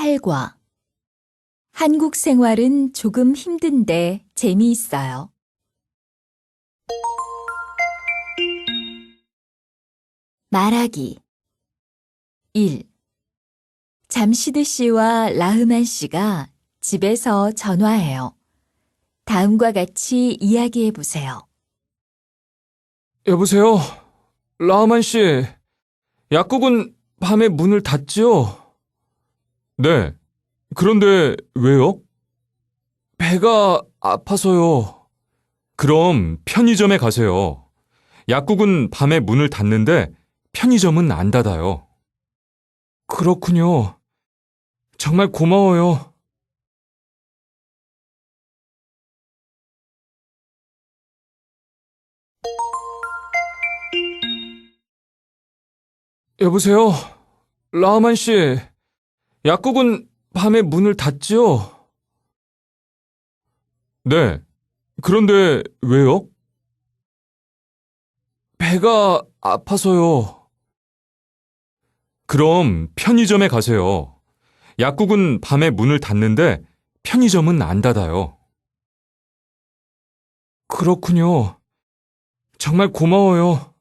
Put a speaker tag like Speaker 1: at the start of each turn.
Speaker 1: 8과 한국 생활은 조금 힘든데 재미있어요. 말하기 1. 잠시드 씨와 라흐만 씨가 집에서 전화해요. 다음과 같이 이야기해 보세요.
Speaker 2: 여보세요? 라흐만 씨, 약국은 밤에 문을 닫지요? 네. 그런데 왜요? 배가 아파서요. 그럼 편의점에 가세요. 약국은 밤에 문을 닫는데 편의점은 안 닫아요. 그렇군요. 정말 고마워요. 여보세요? 라흐만 씨, 약국은 밤에 문을 닫지요? 네. 그런데 왜요? 배가 아파서요. 그럼 편의점에 가세요. 약국은 밤에 문을 닫는데 편의점은 안 닫아요. 그렇군요. 정말 고마워요.